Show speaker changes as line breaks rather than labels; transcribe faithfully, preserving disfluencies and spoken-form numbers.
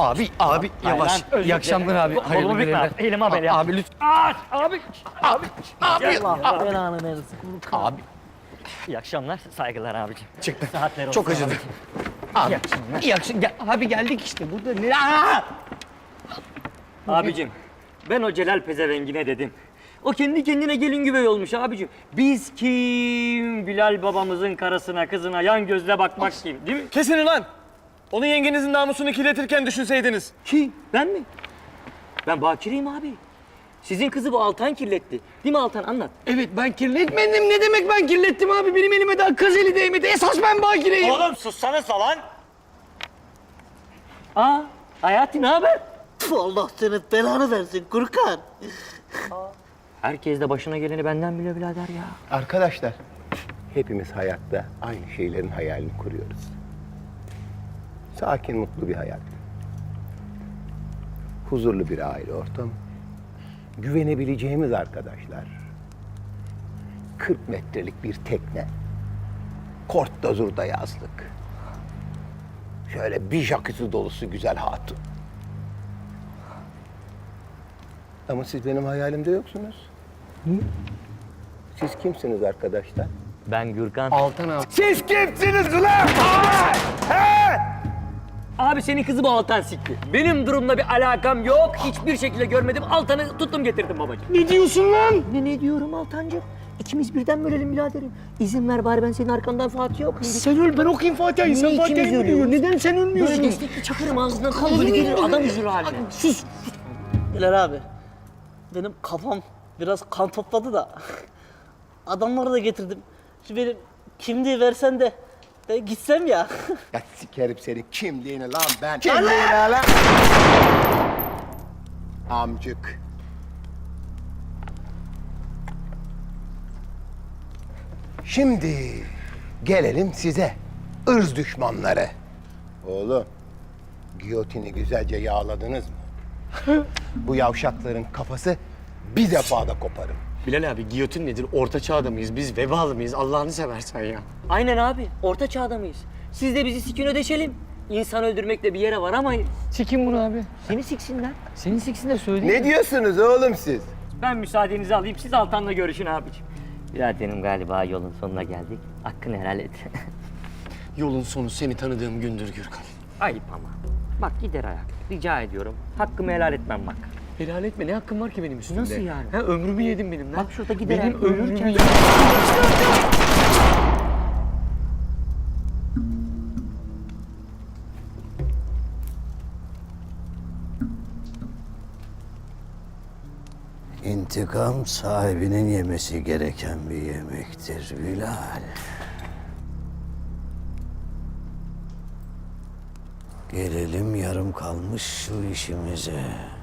Abi, abi yavaş.
Lan, özür
İyi akşamlar abi.
dilerim.
Hayırlı
Kolumu bükme.
görevler.
Elim ameliyat.
Abi lütfen.
Aa, abi. Abi.
Abi.
Allah
belanı versin.
Abi
İyi akşamlar. Saygılar abicim.
çıktı.
Saatler olsun.
Çok acıdı.
abicim.
Abi.
İyi akşamlar.
İyi akşam. Gel, abi geldik işte burada. Ne? Aa!
Abicim ben o Celal pezevengine dedim. O kendi kendine gelin güvey olmuş abicim. Biz kim? Bilal babamızın karısına kızına yan gözle bakmak kim değil mi?
Kesin lan! Onun yengenizin namusunu kirletirken düşünseydiniz.
Kim? Ben mi? Ben bakireyim abi. Sizin kızı bu Altan kirletti. Değil mi Altan? Anlat.
Evet ben kirletmedim. Ne demek ben kirlettim abi? Benim elime daha kız eli değmedi. Esas ben bakireyim.
Oğlum sussana lan!
Aa, Hayati ne haber?
Tüh, Allah senin belanı versin Gürkan.
Herkes de başına geleni benden biliyor birader ya.
Arkadaşlar, hepimiz hayatta aynı şeylerin hayalini kuruyoruz. Sakin, mutlu bir hayat. Huzurlu bir aile ortamı. Güvenebileceğimiz arkadaşlar. kırk metrelik bir tekne. Kort Dazur'da yazlık. Şöyle bir jacuzzi dolusu güzel hatun. Ama siz benim hayalimde yoksunuz. Siz kimsiniz arkadaşlar?
Ben Gürkan.
Altan abi.
Siz kimsiniz ulan?
Abi senin kızı bu Altan sikti. Benim durumla bir alakam yok. Hiçbir şekilde görmedim. Altan'ı tuttum getirdim babacığım.
Ne diyorsun lan?
Ne ne diyorum Altancığım? İkimiz birden bölelim biraderim. İzin ver bari ben senin arkandan Fatih'e okuyayım.
Sen öl, ben okuyayım Fatiha'yı. Sen
Niye ikimiz
Fatiha'yı
ölüyoruz?
biliyor. Neden sen
Böyle
ölmüyorsun?
destekli çakırım ağzından kan böyle gelir adam üzülür haline.
Sus.
Bilal abi, benim kafam biraz kan topladı da adamları da getirdim. Şu benim kimliği versen de ben gitsem ya.
Ya sikerim senin kimliğini lan ben. Kimliğini lan. Amcık. Şimdi gelelim size, ırz düşmanları. Oğlum, giyotini güzelce yağladınız mı? Bu yavşakların kafası bir defada koparım.
Bilal abi giyotin nedir? Orta çağda mıyız? Biz vebalı mıyız? Allah'ını seversen ya.
Aynen abi. Orta çağda mıyız? Siz de bizi sikin ödeşelim. İnsan öldürmekle bir yere varamayız.
Sikin bunu abi.
Seni siksinler.
Senin siksin de söyleyeyim.
Ne diyorsunuz oğlum siz?
Ben müsaadenizi alayım. Siz Altan'la görüşün abiciğim. Biraderim galiba yolun sonuna geldik. Hakkını helal et.
Yolun sonu seni tanıdığım gündür Gürkan.
Ayıp ama. Bak gider ayak. Rica ediyorum. Hakkımı helal etmem bak.
Helal etme. Ne hakkım var ki benim üstümde?
Nasıl yani?
Ha, ömrümü yedin benim lan.
Bak şurada gider
Benim
ayak.
ömrümü
Ölürken-
yedin.
İntikam sahibinin yemesi gereken bir yemektir Bilal. Gelelim yarım kalmış şu işimize.